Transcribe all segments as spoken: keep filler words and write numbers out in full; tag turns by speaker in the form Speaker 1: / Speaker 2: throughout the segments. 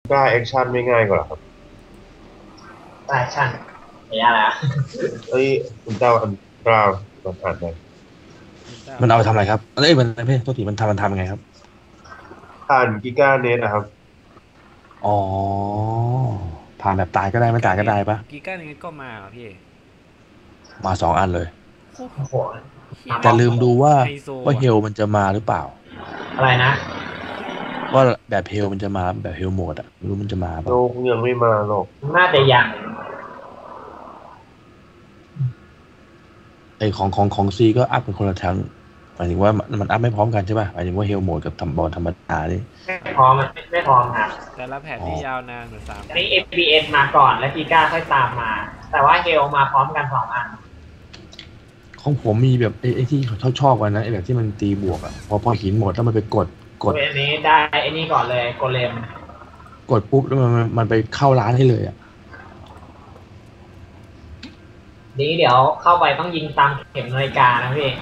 Speaker 1: กล้าแอคชั่นไม่ง่ายกว่าหรอครับ
Speaker 2: แฟชั่นไม่ยากแล้ว
Speaker 1: เอ้ยคุณเจ้าอันกล้ามันอ่านได้
Speaker 3: มันเอาไปทำอะไรครับเอ้ยมันไม่ใช่โทษทีมันทำมันทำไงครับ
Speaker 1: อ่านกิก้าเนตนะครับ
Speaker 3: อ๋อผ่านแบบตายก็ได้ไม่ตายก็ได้ปะ
Speaker 4: กีก้านี้ก็มาเหรอพี่
Speaker 3: มาสองอันเลย
Speaker 2: โอ้โห
Speaker 3: แต่ลืมดูว่า
Speaker 4: ไฮโซ
Speaker 3: ว่าเฮ
Speaker 4: อะ
Speaker 3: ลมันจะมาหรือเปล่า
Speaker 2: อะไรนะ
Speaker 3: ว่าแบบเฮลมันจะมาแบบเฮลโหมดอะไม่รู้มันจะมา
Speaker 1: โล
Speaker 3: ปะ
Speaker 1: กยังไม่มาหรอก
Speaker 2: น่าจะยัง
Speaker 3: ไอของของของซีก็อัพเป็นคนละทั้งหมายถึงว่ามันมันอัพไม่พร้อมกันใช่ป่ะหมายถึงว่าเฮลโหมดกับทำบอลธรรมดานี่
Speaker 2: ไม่พร้อมมันไม่พร้อมครับ
Speaker 4: แต่ละแผ่นที่ยาวนานเหมือนสาม
Speaker 2: อันนี้ เอฟ พี เอส มาก่อนแล้วกีก้าค่อยตามมาแต่ว่าเฮลมาพร้อมกันสองอัน
Speaker 3: ของผมมีแบบไอ้ไอ้ที่ชอบชอบกันนะไอ้แบบที่มันตีบวกอะพอพอหินหมดแล้วมันไปกดกด
Speaker 2: อันนี้ได้อันนี้ก่อนเลยโกเลม
Speaker 3: กดปุ๊บแล้วมันมันมันไปเข้าร้านให้เลยอะ
Speaker 2: นี้เดี๋ยวเข้าไปต้องยิงตามเข็มนาฬิกานะพี่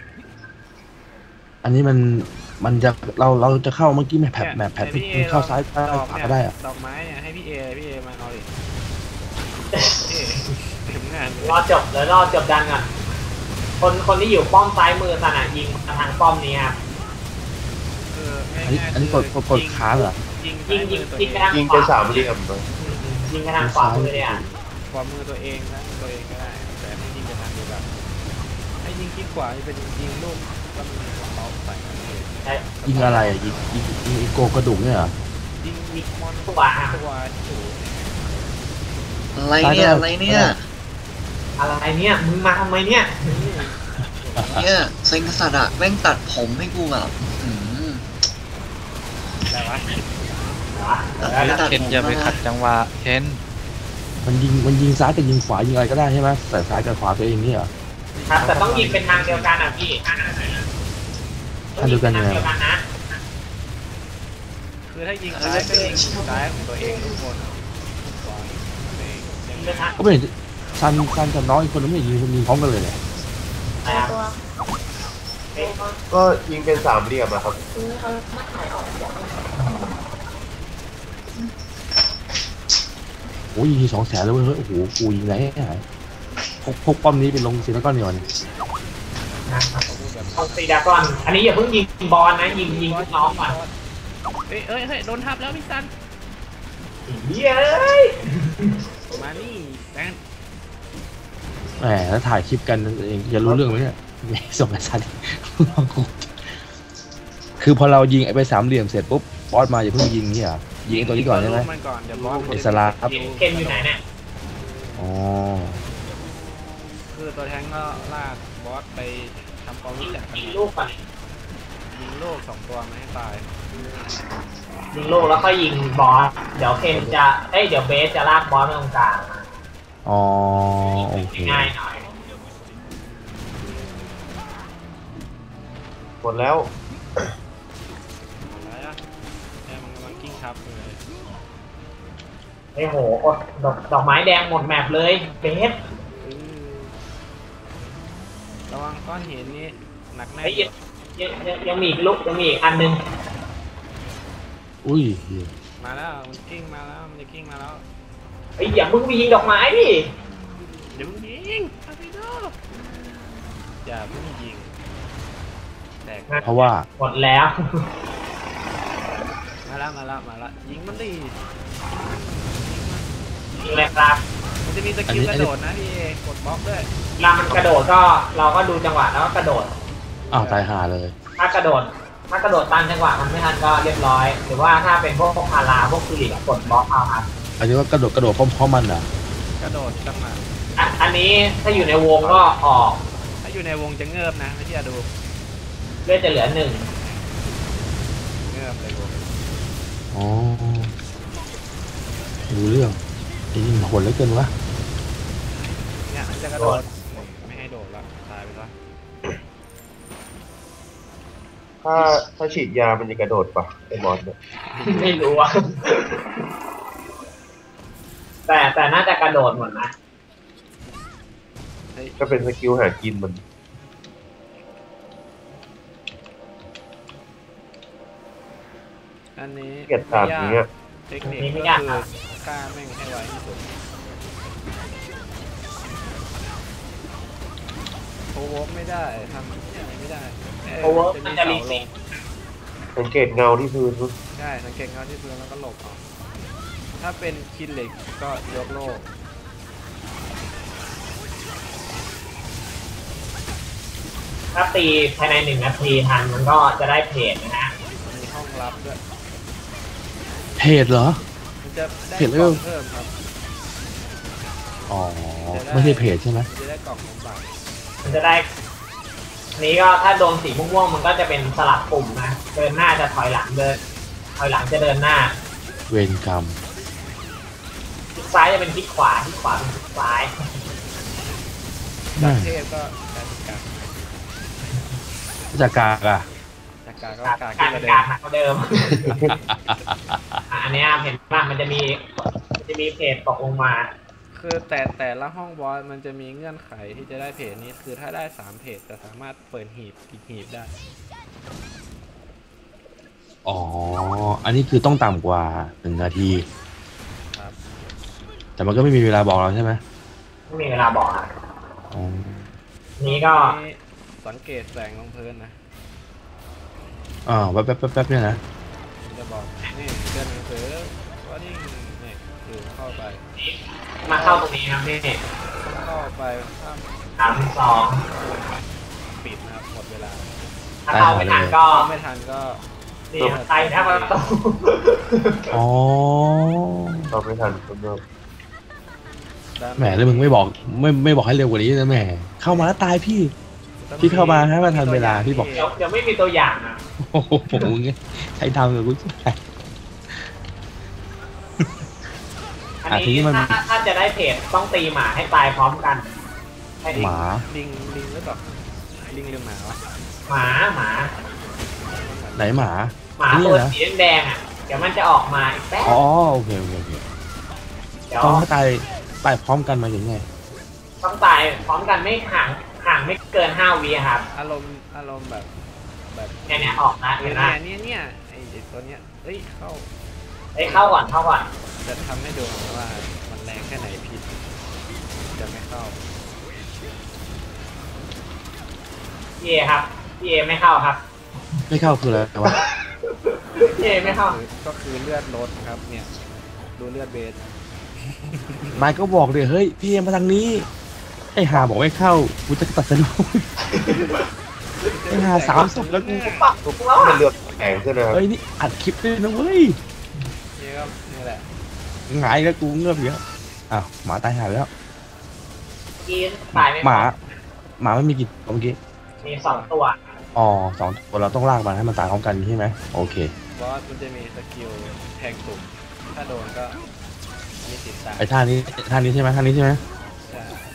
Speaker 3: อันนี้มันมันจะเราเราจะเข้าเมื่อกี้แมปแผลแมปแผลที่เข้าซ้ายซ้ายขวาก็ได้อะ
Speaker 4: ดอกไม้เนี่ยให้พี่เอพี่เอมาเอาดิเต็มงาน
Speaker 2: รอจบแล้วรอจบดันก่อนคนคนที่อยู่ป้อมซ้ายมือสนะยิงมาทางป้อมนี้ครับ
Speaker 3: อันนี้อันนี้กดกดกดค้างเหรอ
Speaker 4: ยิง
Speaker 2: ยิงยิงยิงกระทาง
Speaker 1: ยิง
Speaker 2: ขวา
Speaker 1: ไปสามเหลี่ยมเลย
Speaker 2: ยิงกระทางขวามือเลยอ่ะ
Speaker 4: ขวามือตัวเองนะตัวเองก็ได้แต่ให้ยิงกระทางเดียวกันให้ยิงที่ขวาจะเป็นยิงลูกก็มีกระเป๋าใส่
Speaker 3: ยิงอะไรอ่ะยิงยิงยิงโกกระดูกเนี่ยเหรอ
Speaker 4: ยิงยิงมอน
Speaker 2: ตัว
Speaker 4: ตัวที่อยู่
Speaker 5: อะไรเนี่ยอะไรเนี่ย
Speaker 2: อะไรเนี่ยมึงมาทำไมเนี่ย
Speaker 5: เนี่ยเซ็งสัตว์อะแม่งตัดผมให้กูแบบ
Speaker 4: อะไรวะ
Speaker 5: เคนอย่าไปขัดจังหวะเคน
Speaker 3: มันยิงมันยิงซ้ายกับยิงขวายิงอะไรก็ได้ใช่ไหมแต่ซ้ายกับขวาตัวเองนี่เหรอ
Speaker 2: ครับแต่ต้องยิงเป็นทางเดียวกันอ่ะพี่
Speaker 3: ทางเดียวกัน
Speaker 2: นะ
Speaker 4: คือถ้ายิงซ้ายก็ยิงซ้ายของตัวเองทุกคน
Speaker 3: ก็ไม่เห็นซันซันกับน้องอีกคนนึงไม่ยิงยิงพร้อมกันเลยเนี่ย
Speaker 1: ก็ยิงเป็นสามเหลี่ยมนะครับ
Speaker 3: โอ้ยยิงสองแสนแล้วเว้ยโอ้โหกูยิงไรให้หายพกพกป้อมนี้ไปลงซีนก้อนเดียวนี่
Speaker 2: เอาซีดากอนอันนี้อย่าเพิ่งยิงบอลนะยิงยิงน้องก่อน
Speaker 4: เฮ้ยเฮ้ยเฮ้ยโดนทับแล้วพี่ซัน
Speaker 2: เย้ย
Speaker 4: มานี่แตน
Speaker 3: แหมแล้วถ่ายคลิปกันเองจะรู้เรื่องไหมเนี่ยส่งไปซันคือพอเรายิงไอ้ไปสามเหลี่ยมเสร็จปุ๊บบอสมาอย่าเพิ่งยิงนี่อ่ะยิงไอ้ตัวนี้ก่อนใช่ไหมอิสระครับ
Speaker 2: เคนอยู่ไหนเนี่ย
Speaker 3: อ๋อ
Speaker 4: คือตัวแทงก็ลากบอสไปทำความรู้จักกัน
Speaker 2: ยิงลูกก่อน
Speaker 4: ยิงลูกสองตัวไม่ให้ตาย
Speaker 2: ยิงลูกแล้วก็ยิงบอสเดี๋ยวเคนจะเอ้ยเดี๋ยวเบสจะลากบอสไปตรงกลาง
Speaker 3: อ๋อโอเค
Speaker 2: ง่ายหน่อย
Speaker 1: หมดแล้ว
Speaker 4: อะไรอ่ะแม่มันกำลังกิ้งทับเลย
Speaker 2: ไอ้โหดอกดอกไม้แดงหมดแมปเลยเบส
Speaker 4: ระวังก้อนหินนี่หนักแน่
Speaker 2: ยังยังยังมีอีกลูกยังมีอีกอันนึง
Speaker 3: อุ้ย
Speaker 4: มาแล้วมันกิ้งมาแล้วมันจะกิ้งมาแล้ว
Speaker 2: ไอ้อย่ามึงไปยิงดอกไม้ดิ
Speaker 4: เดี๋ยวมึงยิงอาไปดูอย่ามึงยิง
Speaker 3: เพราะว่า
Speaker 2: หมดแล้ว
Speaker 4: มาแล้วมาแล้วมาแล้วยิงมันดิ
Speaker 2: ยิงเลยครับ
Speaker 4: มันจะมีสกิลกระโดดนะพี่กดบล็อกด้วย
Speaker 2: เวลามันกระโดดก็เราก็ดูจังหวะแล้วก็กระโดด
Speaker 3: อ้าวตายห่าเลย
Speaker 2: ถ้ากระโดดถ้ากระโดดตามจังหวะมันไม่ทันก็เรียบร้อยหรือว่าถ้าเป็นพวกพาราพวกฟิลิปกดบล็อกเอาครับ
Speaker 3: อันนี้ว่ากระโดดกระโดดพร้อมๆมันเหร
Speaker 4: อกระโดดจังหวะ
Speaker 2: อันนี้ถ้าอยู่ในวงก็ออก
Speaker 4: ถ้าอยู่ในวงจะเงิบนะไม่ใช่ดู
Speaker 2: เลือดจะเหลือหนึ่ง
Speaker 4: เงิบเลยวง
Speaker 3: อ๋อรู้เรื่องไอ้นี่มันโหดเหลือเกินวะ
Speaker 4: เนี่ยจะกระโดดไม่ให้โดดละตายไปซะ
Speaker 1: ถ้าถ้าฉีดยามันจะกระโดดปะไอ้บอสเนี่ย
Speaker 2: ไม่รู้อ่ะแต่แต่น่าจะกระโดดหมดนะ
Speaker 1: ก็เป็นสกิลหากินมัน
Speaker 4: อันนี้
Speaker 1: เกียรติตามนี้
Speaker 4: เทคนิค
Speaker 2: นี่ไม่
Speaker 4: ก็
Speaker 2: ยาก
Speaker 4: คื
Speaker 2: ครั
Speaker 4: อบ ฆ่าแม่งให้ไวที่สุดโอเวอร์ไม่ได้ทำอะไรไม่ได้เ
Speaker 2: โอเวอร์มันจะรี
Speaker 4: เสาล
Speaker 2: เซ็
Speaker 4: ง
Speaker 2: ต
Speaker 1: สังเกตเงาที่พื้น
Speaker 4: ใช่สังเกตเงาที่พื้นแล้วก็หลบออกถ้าเป็นคินเหล็กก็ยกโล่
Speaker 2: ถ้าตีภายในหนึ่งนาทีทันมันก็จะได้เพจนะฮะ
Speaker 4: มีห้องลับด้วย
Speaker 3: เพจเหรอ
Speaker 4: มันจะได้
Speaker 3: เพจ
Speaker 4: ก
Speaker 3: เรื่
Speaker 4: ล่
Speaker 3: อ
Speaker 4: อง งเพิ่มครับ
Speaker 3: อ๋อไม่ใช่เพจใช่ไหม
Speaker 4: มันจะได้กล่องสมบัติ
Speaker 2: มันจะได้อันนี้ก็ถ้าโดนสีม่วงๆมันก็จะเป็นสลับปุ่มนะเดินหน้าจะถอยหลังเดินถอยหลังจะเดินหน้า
Speaker 3: เวรกรรม
Speaker 2: คลิกซ้ายจะเป็นคลิกขวาคลิกขวาเป็นคลิกซ้าย
Speaker 4: จา
Speaker 3: แม่
Speaker 4: กเทพก็การกาก
Speaker 3: จากกากอะ
Speaker 4: จากกากก็
Speaker 2: การ
Speaker 4: กาก
Speaker 2: กา
Speaker 4: ขึ้
Speaker 2: ร
Speaker 4: น
Speaker 2: เป็
Speaker 4: มาน เดิ
Speaker 2: กาม รหนักกว่าเดิม อ่ะอันเนี้ยเห็นว่ามันจะมีมันจะมีเพจตกลงมา
Speaker 4: คือแต่แต่ละห้องบอสมันจะมีเงื่อนไขที่จะได้เพจนี้คือถ้าได้สามเพจจะสามารถเปิดหีบอีกหีบได้
Speaker 3: อ๋อ อันนี้คือต้องต่ำกว่าหนึ่งนาที
Speaker 4: ครับ
Speaker 3: แต่มันก็ไม่มีเวลาบอกเราใช่ไหม
Speaker 2: ไม่มีเวลาบอกอ่ะ
Speaker 3: อ๋อ
Speaker 2: นี้ก็
Speaker 4: นี่สังเกตแสงลงพื้นนะ
Speaker 3: อ่าวแป๊บแป๊บแป๊บแป๊บเนี่ยนะ
Speaker 4: มันจะบอกนี่เดินหนังสือว่านี่นี่คือเข้าไป
Speaker 2: มาเข้าตรงนี้ครับพี่
Speaker 4: เข้าไปถ้า
Speaker 2: สามสอง
Speaker 4: ปิดนะครับหมดเวลา
Speaker 2: ถ้าเข้าไม่ทันก็
Speaker 4: ถ้าไม่ทันก็
Speaker 2: นี่ใส่แค่ประตู
Speaker 3: อ๋อ
Speaker 1: เราไม่ทันคนเดิม
Speaker 3: แหมแล้วมึงไม่บอกไม่ไม่บอกให้เร็วกว่านี้นะแหมเข้ามาแล้วตายพี่ พี่เข้ามาให้มันทันเวลาพี่บอก
Speaker 2: เดี๋ยวเดี๋ยวไม่มีตัวอย่างนะ
Speaker 3: โอ้โหใช้ทำกับกูใช่ไหม
Speaker 2: อัน
Speaker 3: อ่ะทีนี้
Speaker 2: นี้
Speaker 3: มัน
Speaker 2: ถ้าถ้าจะได้เพจต้องตีหมาให้ตายพร้อมกันให้
Speaker 3: หมา
Speaker 4: ลิงลิงหรือเปล่าลิงหรือหมาวะ
Speaker 2: หมาหมา
Speaker 3: ไหนหมา
Speaker 2: หมา
Speaker 3: นี่
Speaker 2: ตัว
Speaker 3: นะ
Speaker 2: สีแดงๆอ่ะเดี๋ยวมันจะออกมาอีกแป๊บ
Speaker 3: อ๋อโอเคโอเคโอเค
Speaker 2: เดี๋ยว
Speaker 3: ต้องให้ตายตายพร้อมกันมาอย่างไง
Speaker 2: ต้องตายพร้อมกันไม่ห่างห่างไม่เกินห้าวิครับ
Speaker 4: อารมณ์อารมณ์แบบแบบ
Speaker 2: เนี่ยเนี่ยออกนะ
Speaker 4: เนี่
Speaker 2: เห็
Speaker 4: ย
Speaker 2: นไหม
Speaker 4: เนี่ยเนี่ยไอ้ไอ้ตัวเนี้ยเอ้ยเข้า
Speaker 2: เอ้ยเข้าก่อนเข้าก่อน
Speaker 4: จะทำให้ดูว่ามันแรงแค่ไหนพิษจะไม่เข้า
Speaker 2: พี่เอครับพี่เอไม่เข้าครับ
Speaker 3: ไม่เข้าคืออะไรวะ
Speaker 2: พี่เอไม่เข้า
Speaker 4: ก็คือเลือดลดครับเนี่ยดูเลือดเบส
Speaker 3: นายก็บอกเลยเฮ้ยพี่เอ็มมาทางนี้ไอ้หาบอกไม่เข้ากูจะตัดสนุก ไอ้หาสามศพแล้วกู
Speaker 2: ปักถูกแล้ว
Speaker 1: มั
Speaker 2: อ่ะ
Speaker 1: นเลือกแข็งขึ้นนะครับ
Speaker 3: เฮ้ยนี่อัดคลิปด้วยนะเว้ย
Speaker 4: นี่ก็นี่แหละ
Speaker 3: หงายแล้วกูเงือบเยอะอ้าวหมาตายหายไปแล้ว
Speaker 2: กินตายไม่
Speaker 3: หมา หมาไม่มีกี่ตัวเมื่อกี้
Speaker 2: มีสองตัว
Speaker 3: อ๋อสองตัวเราต้องลากมันให้มันตายพร้อมกันใช่ไหมโอเค
Speaker 4: บอสมันจะมีสกิลแทงตุ่มถ้าโดนก็มีสิทธิ์ตาย
Speaker 3: ไอ้ท่านี้ท่านี้ใช่ไหมท่านี้ใช่ไหม
Speaker 4: ใช่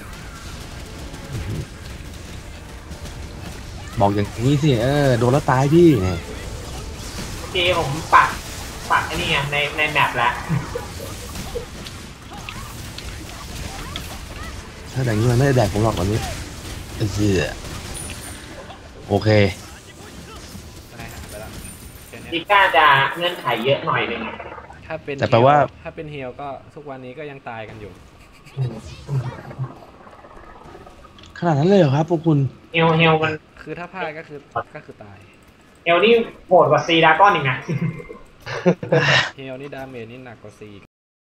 Speaker 3: บอกอย่างนี้สิเออโดนแล้วตายพี่เนี่ย
Speaker 2: เมื่อกี้ผมปักปักไอ้นี่ไงในในแมปแล้ว
Speaker 3: ถ้าอย่างนี้มันไม่ได้แดกผมหรอกวันนี้เออโอเค
Speaker 4: ตายหาไปแล้วแค่เนี้ย
Speaker 2: ดิก้าจะเงื่อนไขเยอะหน่อยหนึง
Speaker 4: ถ้าเป็น
Speaker 3: แต่แปลว่า
Speaker 4: ถ้าเป็นเฮีลก็ทุกวันนี้ก็ยังตายกันอยู่
Speaker 3: ขนาดนั้นเลยเหรอครับพวกคุณ
Speaker 2: เฮลเฮลมัน
Speaker 4: คือถ้าพลาดก็คือก็คือตาย
Speaker 2: เฮลนี่โหดกว่าซีดราก้อนอีกนะ
Speaker 4: เฮีลนี่ดาเมจนี่หนักกว่าซี